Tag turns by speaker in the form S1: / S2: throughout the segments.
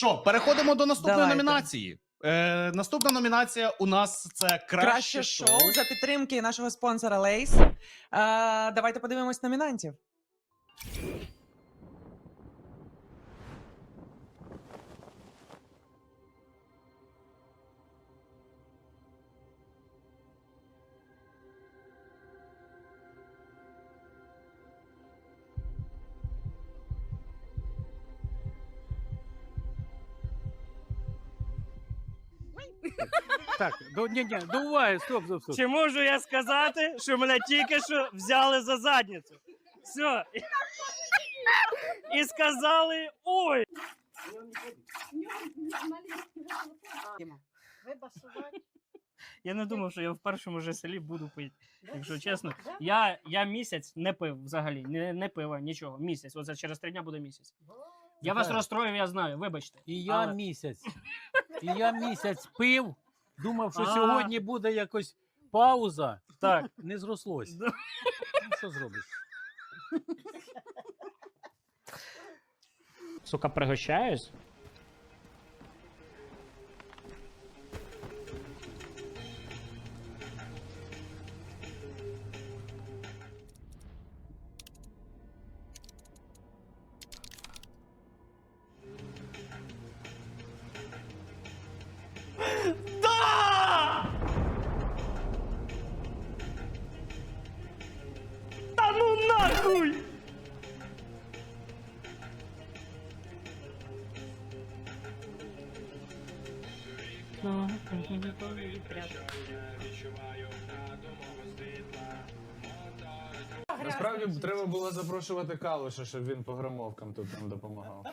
S1: Що, переходимо до наступної
S2: Давайте.
S1: номінації. Наступна номінація у нас це краще шоу.
S2: за підтримки нашого спонсора Лейс. Давайте подивимось номінантів.
S3: Так, ні, до уваги, стоп.
S4: Чи можу я сказати, що мене тільки що взяли за задницю? Все. І сказали, ой. Я не думав, що я в першому же селі буду пити. Якщо чесно, я місяць не пив взагалі, не пива, нічого. Місяць. Оце через 3 дня буде місяць. Я вас розстроїв, я знаю, вибачте.
S3: І я місяць пив, думав, що сьогодні буде якось пауза.
S4: Так.
S3: Не зрослось. Що зробиш?
S4: Сука, пригощаюсь? Да! Та ну нахуй!
S5: Насправді треба було запрошувати Калуша, щоб він по громовкам тут нам допомагав.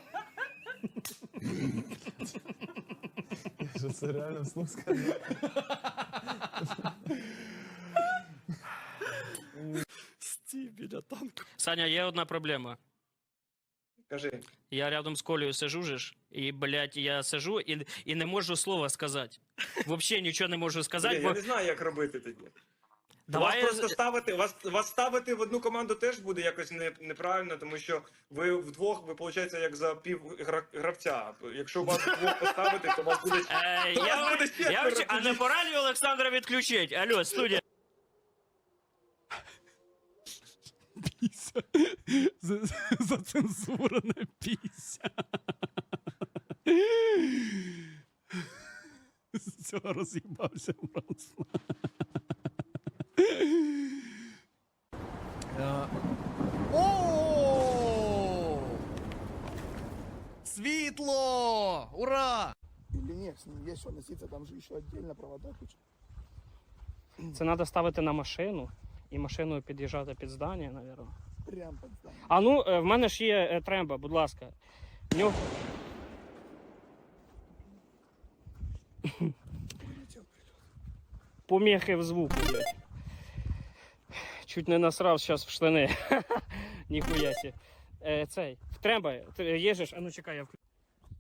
S5: Що це реально вслух сказав?
S4: Стій біля танку. Саня, є одна проблема.
S6: Кажи.
S4: Я рядом з Колею сижу ж, і, блядь, я сижу і не можу слова сказати. Взагалі нічого не можу сказати,
S6: Я не знаю, як робити тоді.
S4: Давай
S6: Вас просто ставити, вас ставити в одну команду теж буде якось неправильно, тому що ви вдвох, ви, виходить, як за пів гравця. Якщо вас вдвох поставити, то вас буде...
S4: А не пора ли Олександра відключить? Алло, студія.
S3: Піся. Зацензурена піся. З цього роз'їбався просто.
S1: Світло! Ура!
S7: Или нет, с ним есть что носиться, там же еще отдельно провода куча.
S4: Це треба ставити на машину, і машиною під'їжджати під здання, мабуть.
S7: Прям под здание.
S4: А ну, в мене ж є тремба, будь ласка. Нюх. Поміхи в звуку, блядь. Чуть не насрав зараз в штани. Ніхуя сі. Цей, в тремба, їжеш, а ну чекай, я включу.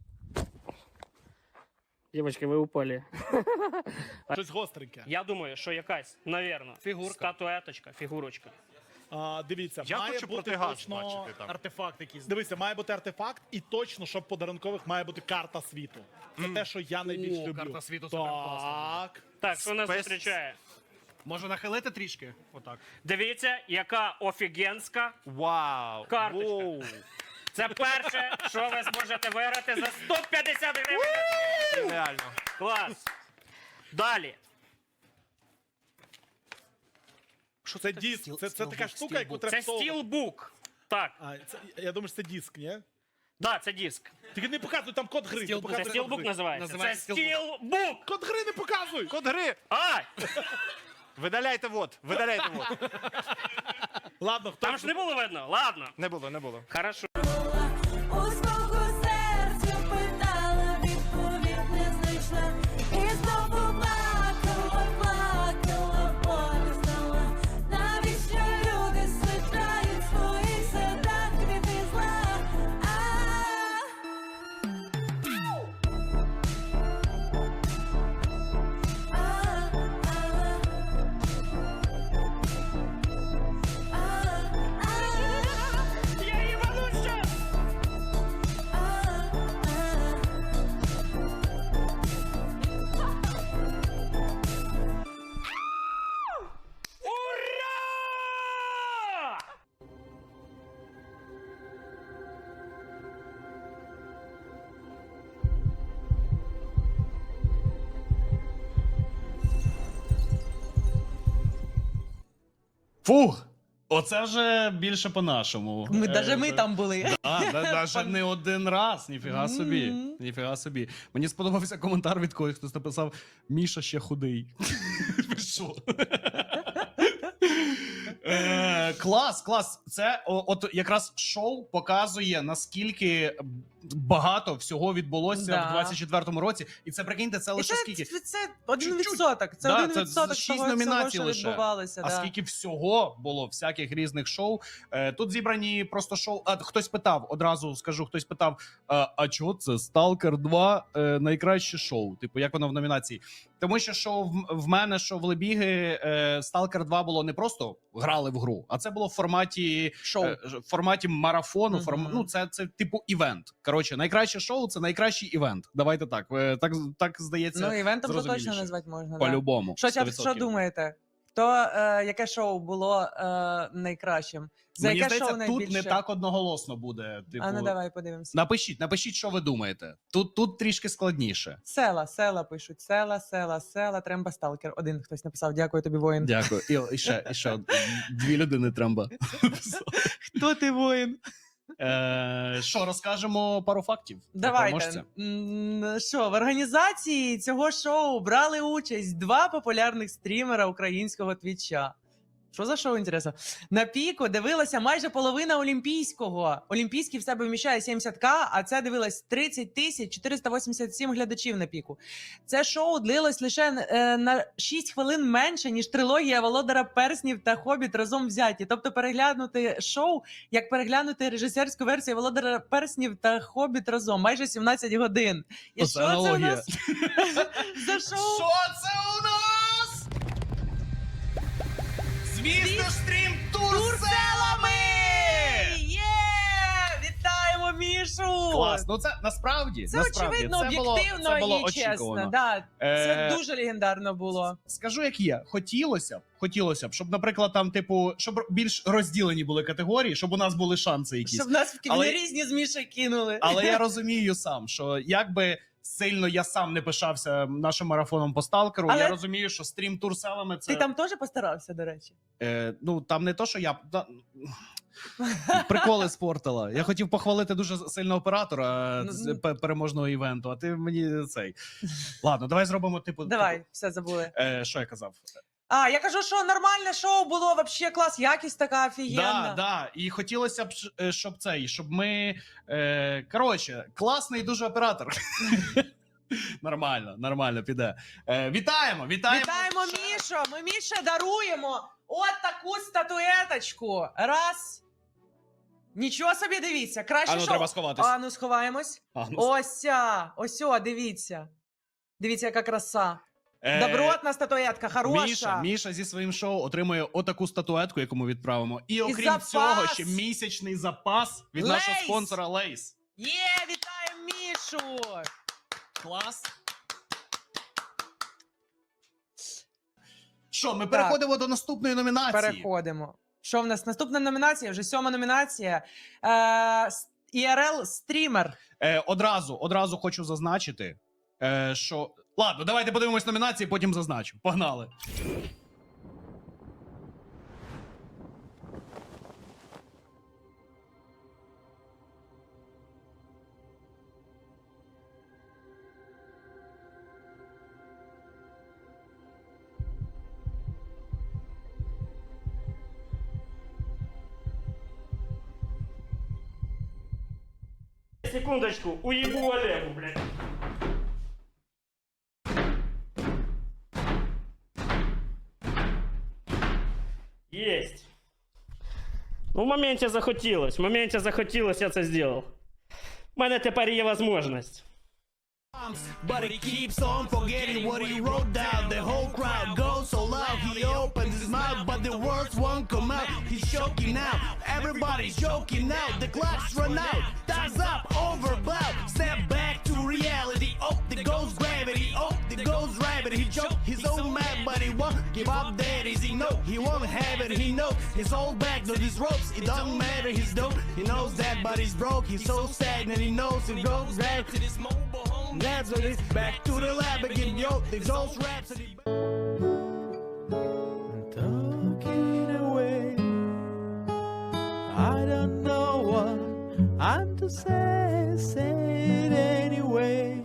S4: Дівочки, ви упали.
S8: Щось гостреньке.
S4: Я думаю, що якась, навірно,
S8: Фігурка.
S4: статуеточка, фігурочка.
S8: Дивіться,
S9: Я
S8: має
S9: хочу
S8: бути
S9: протигаз
S8: точно
S9: бачити там.
S8: артефакт якийсь. Дивіться, має бути артефакт, і точно, щоб подарункових має бути карта світу. Це те, що я найбільш люблю.
S9: карта світу суперкласна.
S8: Так.
S4: Так, що нас зустрічає?
S1: Може нахилити трішки? Отак.
S4: Дивіться, яка офігенська
S9: Вау!
S4: карточка.
S9: Воу.
S4: Це перше, що ви зможете виграти за 150 гривень.
S9: Реально.
S4: Клас. Далі.
S8: Що це диск? Це така штука, яку треба
S4: Це
S8: всовувати.
S4: стілбук. Так,
S8: Я думаю, що це диск, ні?
S4: да, це диск.
S8: Тільки не показуй, там код гри. не
S4: Це
S8: показуй
S4: стілбук
S8: код гри.
S4: називається. Це стілбук.
S8: Код гри не показуй!
S9: Код гри!
S4: А!
S9: Видаляйте вот, видаляйте вот.
S8: Ладно, хто...
S4: Там ж не було видно. Ладно.
S9: Не було, не було.
S4: Хорошо.
S10: У свого серця питала, відповідь не знайшла. І знову плакала, болі знала. Навіщо люди саджають в своїх садах квіти зла?
S4: Я їбану щас!
S1: Фух! Оце вже більше по-нашому.
S2: Навіть ми там були.
S1: Навіть не один раз, ніфіга собі.
S2: Мгм.
S1: Ніфіга собі. Мені сподобався коментар від когось, хтось написав: Міша ще худий. Ви що? Клас, клас. Це от якраз шоу показує, наскільки багато всього відбулося
S2: Да.
S1: в 24-му році. І це, прикиньте, це
S2: І
S1: лише
S2: це,
S1: скільки?
S2: це 1%.
S1: Чуть-чуть.
S2: Це
S1: Да,
S2: 1%
S1: це 6
S2: того,
S1: номінацій
S2: що
S1: лише.
S2: відбувалося.
S1: А
S2: Да.
S1: скільки всього було, всяких різних шоу. Тут зібрані просто шоу. А хтось питав, одразу скажу, хтось питав: а чого це Сталкер 2 найкраще шоу? Типу, як воно в номінації? Тому що шоу в мене, що в Лебіги, Сталкер 2 було не просто грали в гру, а це було в форматі
S2: Шоу.
S1: в форматі марафону.
S2: Мгм.
S1: Ну, це типу івент. Коротше, найкраще шоу це найкращий івент. Давайте так. Так здається,
S2: Ну, івентом то точно
S1: зрозуміліше.
S2: назвати можна. Да.
S1: По-любому.
S2: Що
S1: 100%.
S2: думаєте? Яке шоу було найкращим? За
S1: Мені
S2: яке
S1: здається,
S2: шоу
S1: тут
S2: найбільше?
S1: не так одноголосно буде. Типу,
S2: А ну давай подивимося.
S1: напишіть, що ви думаєте. Тут трішки складніше.
S2: Села пишуть. Села, Тремба Сталкер. Один хтось написав. Дякую тобі, воїн.
S1: Дякую. І ще дві людини тремба.
S2: Хто ти, воїн?
S1: Що, розкажемо пару фактів? про
S2: Давайте.
S1: переможця?
S2: Що, в організації цього шоу брали участь 2 популярних стрімера українського твіча. Що за шоу, інтересно? На піку дивилася майже половина Олімпійського. Олімпійський в себе вміщає 70к, а це дивилось 30 487 глядачів на піку. Це шоу длилось лише на 6 хвилин менше, ніж трилогія Володара Перснів та Хобіт разом взяті. Тобто переглянути шоу, як переглянути режисерську версію Володара Перснів та Хобіт разом. Майже 17 годин. І
S1: Оце
S2: що це у
S1: аналогія.
S2: нас за шоу?
S1: Що це у нас? Звісно ж, стрім турселами!
S2: Є! Вітаємо Мішу!
S1: Клас, ну це насправді,
S2: Це
S1: насправді,
S2: очевидно,
S1: це було
S2: об'єктивно і чесно.
S1: очікувано.
S2: Да. Це
S1: Е,
S2: дуже легендарно було.
S1: Скажу, як є. Хотілося б, щоб, наприклад, там, типу, щоб більш розділені були категорії, щоб у нас були шанси якісь.
S2: Щоб нас в
S1: Але-
S2: різні з Мішою кинули.
S1: Але я розумію сам, що якби сильно я сам не пишався нашим марафоном по сталкеру,
S2: Але-
S1: я розумію, що стрім турселами це.
S2: Ти там теж постарався, до речі?
S1: Ну там не то, що я. Приколи спортила. Я хотів похвалити дуже сильно оператора переможного івенту, а ти мені цей. Ладно, давай зробимо типу.
S2: Давай, все забули.
S1: Що я казав?
S2: А, я кажу, що нормальне шоу було, вообще клас, якість така офігенна.
S1: Да. І хотілося б, щоб ми. Коротше, класний дуже оператор. Нормально, піде. Вітаємо!
S2: Вітаємо Мішу! Ми Міші даруємо от таку статуеточку. Раз. Нічого собі, дивіться. Краще
S1: Ану,
S2: шоу.
S1: треба сховатись.
S2: Ану, сховаємось. Ось, дивіться. Дивіться, яка краса. Добротна статуетка, хороша.
S1: Міша зі своїм шоу отримує отаку статуетку, яку ми відправимо. І окрім
S2: запас.
S1: цього, ще місячний запас від нашого
S2: Лейс.
S1: спонсора Лейс.
S2: Є, вітаємо Мішу!
S1: Клас. Що, ми переходимо до наступної номінації.
S2: Переходимо. Що в нас? Наступна номінація, вже 7-ма номінація. IRL стрімер.
S1: Одразу хочу зазначити, що. Ладно, давайте подивимось номінації, потім зазначу. Погнали.
S4: Секундочку, уебу Олегу, блядь. Есть. Ну, в моменті захотілось, я це зробив. У мене тепер є можливість.
S11: But he keeps on forgetting what he wrote down. The whole crowd goes so loud. He opens his mouth, but the words won't come out. He's choking out. Everybody's choking out. The clock's run out. Time's up, overblown. Step back to reality. Oh, there goes gravity. Oh, there goes rabbit. He choked. He's so mad, but he won't give up. That is he know. He won't have it. He knows his whole back to these ropes. It don't matter. He's dope. He knows that, but he's broke. He's so stagnant. He knows it goes back to this mobile home. That's what it's back to the lab again, yo. These old raps. Talking away. so sad, sad anyway.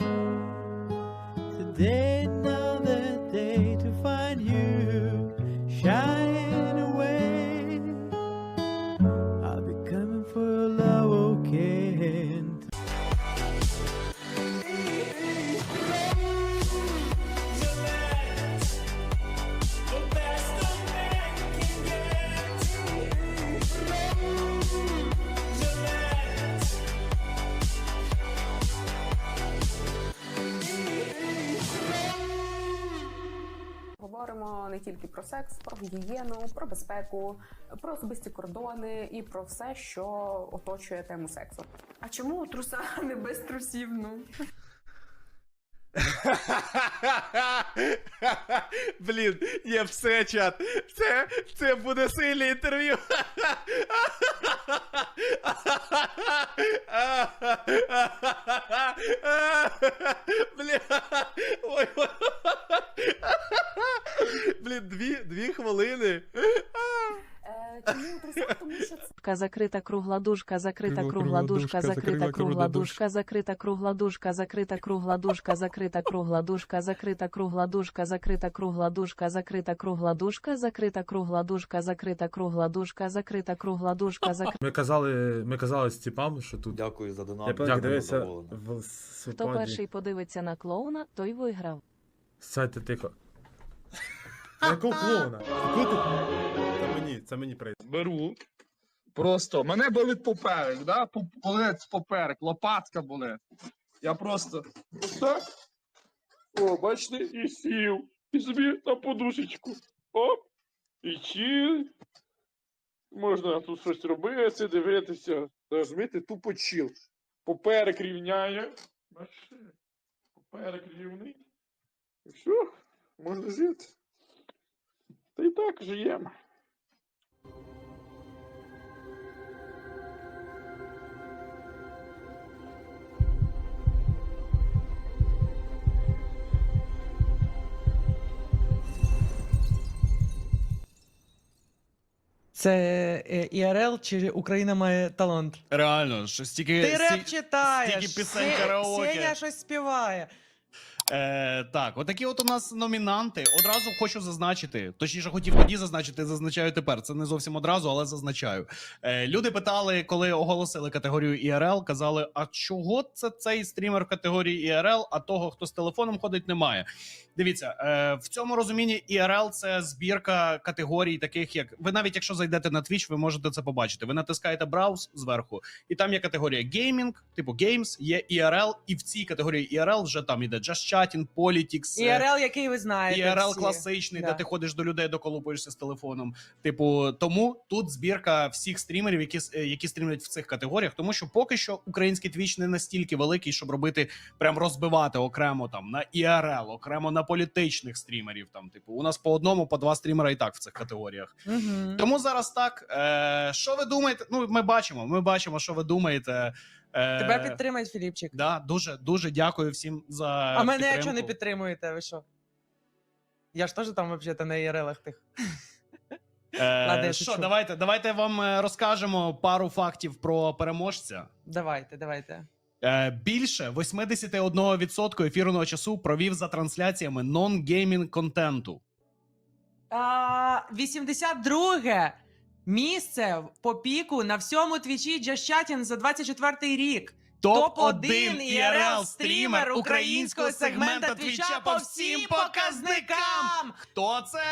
S11: Today, another day to find you shying away. I'll be coming for your love, okay?
S10: Говоримо не тільки про секс, про гігієну, про безпеку, про особисті кордони і про все, що оточує тему сексу. А чому труса не без трусів? Ну
S9: Блін, є все, чат. Це буде сильне інтерв'ю. Блін. Ой. Блін, дві хвилини.
S10: чому труса? Тому що це
S12: Закрита кругла дужка, закрита кругла дужка, закрита кругла дужка, закрита кругла дужка, закрита кругла дужка, закрита кругла дужка, закрита кругла дужка, закрита кругла дужка, закрита кругла дужка, закрита кругла дужка, закрита кругла дужка, закрита кругла дужка,
S5: Ми казали з типам, що тут.
S9: Дякую за донат.
S5: Я подивився
S12: Хто перший подивиться на клоуна, той виграв.
S5: Сядьте тихо. Якого клоуна? Це мені прийде.
S7: Беру. Просто мене болить поперек, да? Болить поперек, лопатка болить. Я просто ось так. О, бачите, і сів. І собі на подушечку. Оп. І чил. Можна тут щось робити, дивитися. Розумієте, тупо чил. Поперек рівняє. Бачите? Поперек рівний. І все, можна жити. Та й так живемо.
S2: Це ІРЛ чи Україна має талант?
S1: Реально, що стільки...
S2: Ти реп читаєш,
S1: стільки пісень караоке.
S2: Сеня щось співає.
S1: Так, отакі от у нас номінанти. Одразу хочу зазначити, точніше хотів тоді зазначити, зазначаю тепер. Це не зовсім одразу, але зазначаю. Люди питали, коли оголосили категорію ІРЛ, казали, а чого це цей стрімер в категорії ІРЛ, а того, хто з телефоном ходить, немає. Дивіться, в цьому розумінні ІРЛ – це збірка категорій таких, як... Ви навіть якщо зайдете на Twitch, ви можете це побачити. Ви натискаєте брауз зверху, і там є категорія геймінг, типу Games, є ІРЛ, і в цій категорії ІРЛ вже там іде Just Chatting, Politics.
S2: ІРЛ, який ви знаєте
S1: ІРЛ
S2: всі.
S1: класичний,
S2: Да.
S1: де ти ходиш до людей, доколупуєшся з телефоном. Типу, тому тут збірка всіх стрімерів, які стрімлять в цих категоріях, тому що поки що український Twitch не настільки великий, щоб робити, прям розбивати окремо там на ІРЛ, окремо на політичних стрімерів. Там, типу, у нас по одному, по два стрімера і так в цих категоріях.
S2: Угу.
S1: Тому зараз так. Що ви думаєте? Ну, ми бачимо, що ви думаєте.
S2: Тебе підтримають, Філіпчик.
S1: Да, дуже дякую всім за
S2: А мене
S1: підтримку.
S2: якщо не підтримуєте, ви що? Я ж теж там взагалі на ІРЛах тих. Ладно, я
S1: Що,
S2: шучу.
S1: давайте вам розкажемо пару фактів про переможця.
S2: Давайте.
S1: Більше 81% ефірного часу провів за трансляціями нон-геймінг контенту.
S2: 82-ге місце по піку на всьому твічі Just Chatting за 24-й рік.
S1: Топ-1 ІРЛ стрімер українського сегмента Твіча по всім показникам. Хто це?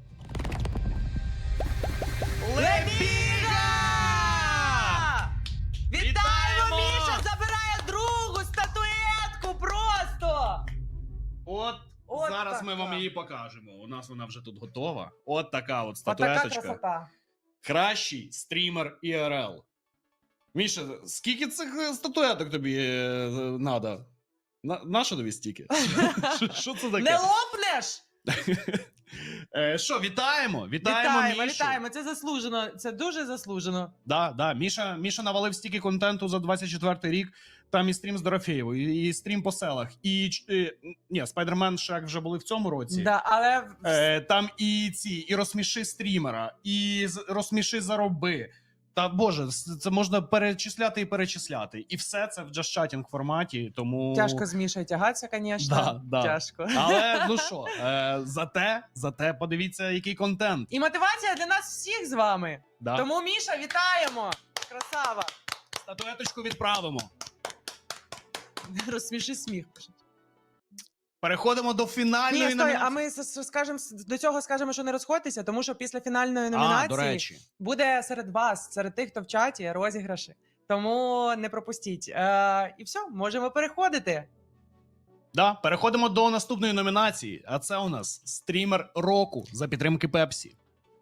S2: Лебіга! Вітаємо,
S1: Вітаємо!
S2: Міша забирає другу статуетку просто!
S1: От зараз ми
S2: така.
S1: вам її покажемо. У нас вона вже тут готова. От така от
S2: Отака
S1: статуеточка.
S2: красота.
S1: Кращий стрімер ІРЛ. Міша, скільки цих статуеток тобі надо? Нащо тобі стільки? Що це таке?
S2: Не лопнеш?
S1: Що, вітаємо Мішу.
S2: Вітаємо, це заслужено, це дуже заслужено.
S1: Да, Міша навалив стільки контенту за 24-й рік. Там і стрім з Дорофєєвою, і стрім по селах, і Spider-Man Шрек вже були в цьому році.
S2: Да, але
S1: Там і розсміши стрімера, і розсміши зароби. Та боже, це можна перечисляти і перечисляти. І все це в джаз-чатінг форматі, тому...
S2: Тяжко з Мішою тягатися, звісно.
S1: Да.
S2: Тяжко.
S1: Але, ну що, зате подивіться, який контент.
S2: І мотивація для нас всіх з вами.
S1: Да.
S2: Тому, Міша, вітаємо! Красава!
S1: Статуеточку відправимо.
S2: Розсміши сміх.
S1: Переходимо до фінальної
S2: Ні, стой,
S1: номінації.
S2: а ми скажемо, до цього скажемо, що не розходьтеся, тому що після фінальної
S1: До
S2: номінації
S1: речі.
S2: буде серед вас, серед тих, хто в чаті, розіграші. Тому не пропустіть. І все, можемо переходити.
S1: Да, переходимо до наступної номінації, а це у нас стрімер року за підтримки Пепсі.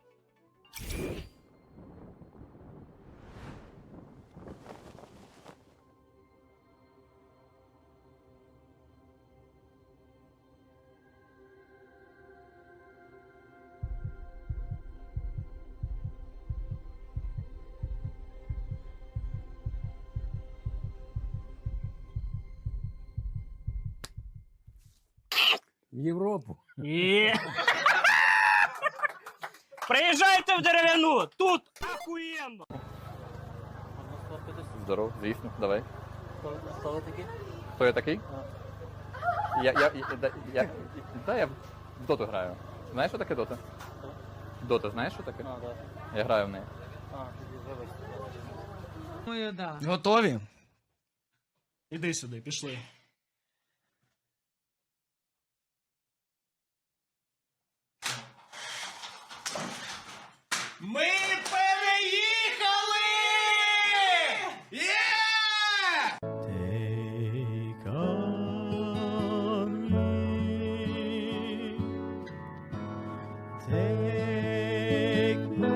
S3: В Європу.
S4: Приїжджайте в Дерев'яну! Тут ахуєнно!
S13: Здоров, звісно, давай. Хто ви такий? Хто я такий? Я в доту граю. Знаєш, що таке дота? Дота, знаєш, що таке? Я граю в неї.
S2: Думаю, да.
S1: Готові? Іди сюди, пішли. Ми переїхали! Є!
S11: Take on me. Take me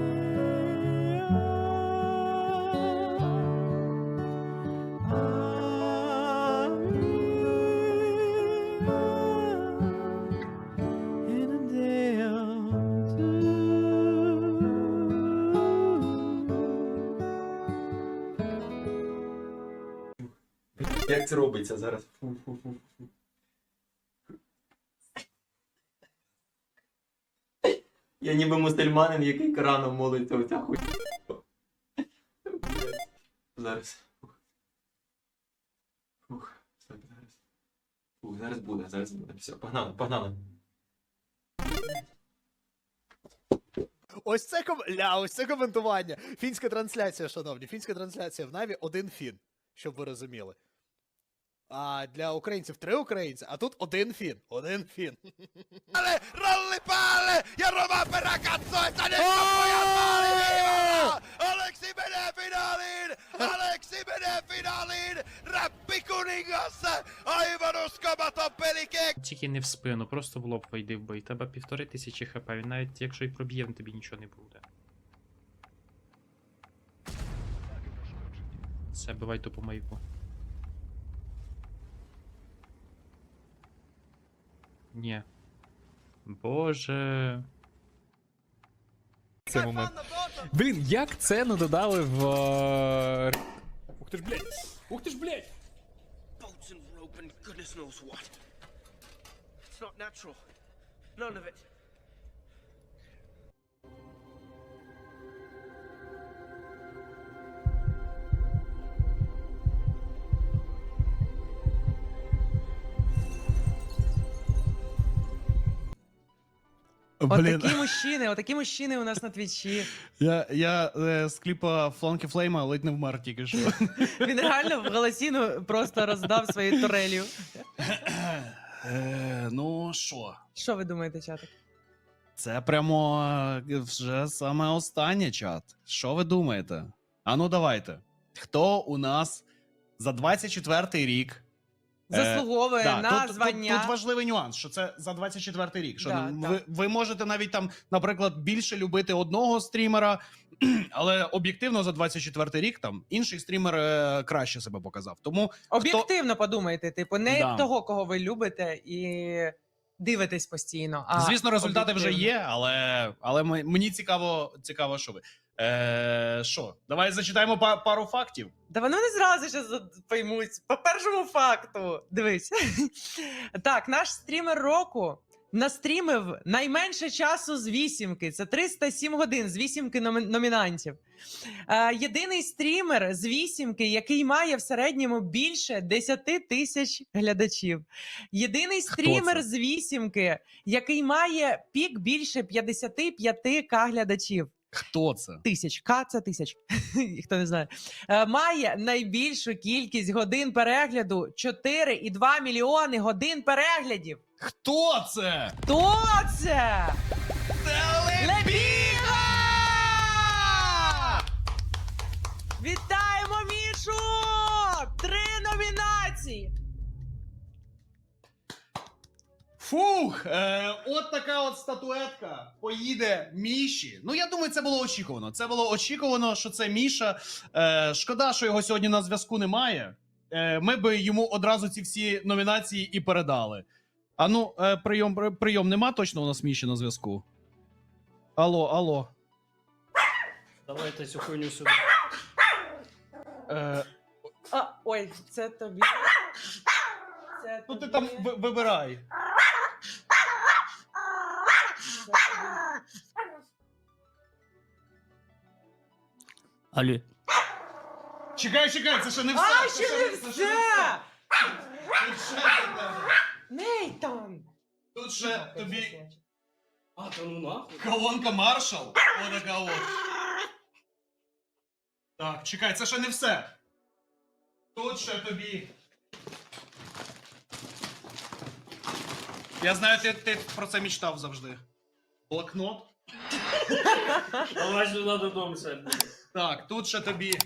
S11: in a day or two.
S9: Як це робиться зараз? Я ніби мусульманин, який Кораном молиться, оця хуй. Зараз. Зараз буде. Все, погнали.
S8: Ось це коментування. Фінська трансляція, шановні. Фінська трансляція в Наві один фін, щоб ви розуміли. А для українців 3 українці, а тут один фін. Один фін.
S11: Ale rolli päälle ja Roma perä katsoo, että nyt on pojat maaliviivalla! Aleksi menee finaaliin! Aleksi menee finaaliin! Räppikuningas! Aivan uskomaton pelikek!
S14: Тільки не в спину, просто в лоб вийди в бой. Тебе 1500 хп, він навіть якщо і проб'є, тобі нічого не буде. Все, бивай тупо маяку. Ні. Боже.
S8: Це момент. Блін, як це не додали в... Ух ти ж, блядь! Ух ти ж, блядь!
S11: Bolts and rope and goodness knows what. It's not natural. None of it.
S2: Отакі мужчини у нас на твічі.
S1: Я з кліпа Фланки Флейма ледь не вмер тільки що.
S2: Він реально в голосіну просто роздав свою турелью.
S1: Ну що?
S2: Що ви думаєте, чатик?
S1: Це прямо вже саме останнє, чат. Що ви думаєте? А ну давайте. Хто у нас за 24-й рік
S2: Заслуговує на
S1: тут,
S2: звання.
S1: Тут важливий нюанс, що це за 24-й рік. Що
S2: Да,
S1: ви можете навіть там, наприклад, більше любити одного стрімера, але об'єктивно за 24-й рік там інший стрімер краще себе показав. Тому
S2: Об'єктивно подумайте, типу, не того, кого ви любите і дивитесь постійно. А
S1: звісно, результати вже
S2: об'єктивно.
S1: є, але мені цікаво, що ви. Що, давай зачитаємо пару фактів.
S2: Да вони не зразу ще поймуть. По першому факту. Дивись. Так, наш стрімер року настрімив найменше часу з вісімки. Це 307 годин з вісімки номінантів. Єдиний стрімер з вісімки, який має в середньому більше 10 тисяч глядачів. Єдиний стрімер з вісімки, який має пік більше 55к глядачів.
S1: Хто це?
S2: Тисяч. К це тисяч. Хто не знає. Має найбільшу кількість годин перегляду 4,2 мільйони годин переглядів.
S1: Хто це?
S2: Хто це? Лебіга! Вітаємо Мішу! 3 номінації!
S1: Фух, от така от статуетка поїде Міші. Ну, я думаю, це було очікувано. Це було очікувано, що це Міша. Шкода, що його сьогодні на зв'язку немає. Ми би йому одразу ці всі номінації і передали. А ну, прийом нема точно у нас Міші на зв'язку? Алло.
S4: Давайте цю хуйню сюди.
S2: Ой, це тобі. Це
S1: Ну ти там вибирай.
S4: Алло.
S1: Чекай, це ще не все.
S2: А, ще не все!
S1: Тут ще для тебе.
S2: Нейтан!
S1: Тут ще тобі
S4: А, та ну нахуй.
S1: колонка Marshall. Отака от. Так, чекай, це ще не все. Тут ще тобі. Я знаю, ти про це мечтав завжди. Блокнот.
S4: Давай сюди додому сядь.
S1: Так, тут ще тобі.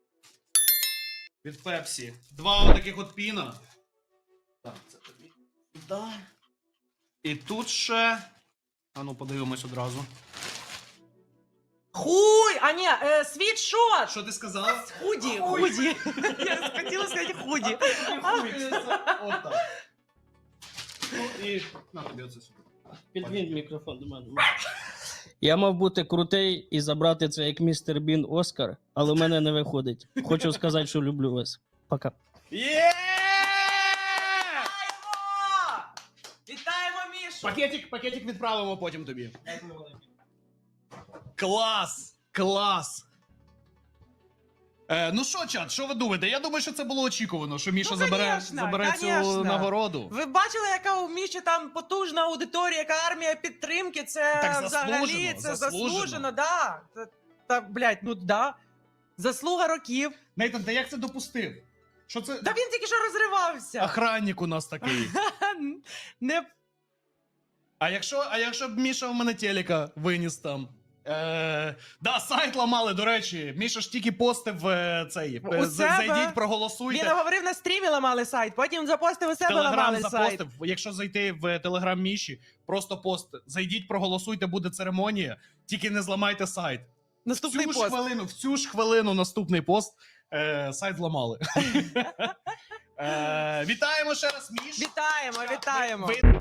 S1: Від Пепсі. 2 отаких от піна. Так, це тобі. Да. І тут ще. А ну, подивимось одразу.
S2: Хуй! А ні, світшот!
S1: Що ти сказала?
S2: Худі. Я хотіла сказати худі.
S1: Отак. Ну і на тобі оце сюди.
S4: Підвінь мікрофон до мене. Я мав бути крутий і забрати це як містер Бін Оскар, але в мене не виходить. Хочу сказати, що люблю вас. Пока.
S1: Є!
S2: Вітаємо Мішу!
S1: Пакетик відправимо потім тобі. Клас! Ну що, чат, що ви думаєте? Я думаю, що це було очікувано, що Міша забере цю нагороду.
S2: Ви бачили, яка у Міші там потужна аудиторія, яка армія підтримки? Це
S1: Так
S2: взагалі заслужено, да. Та, блядь, ну да. Заслуга років.
S1: Нейтан, ти як це допустив? Що це?
S2: Та він тільки що розривався.
S1: Охранник у нас такий.
S2: Не...
S1: А якщо б Міша в мене телека виніс там? Да, сайт ламали, до речі. Міша ж тільки постив цей. Зайдіть, проголосуйте.
S2: Він говорив, на стрімі ламали сайт, потім запостив у себе,
S1: Телеграм
S2: ламали
S1: запостив.
S2: сайт.
S1: Якщо зайти в Телеграм Міші, просто пост. Зайдіть, проголосуйте, буде церемонія. Тільки не зламайте сайт.
S2: Наступний пост.
S1: В цю ж хвилину наступний пост. Сайт зламали. Вітаємо ще раз, Міш.
S2: Вітаємо.
S1: Ви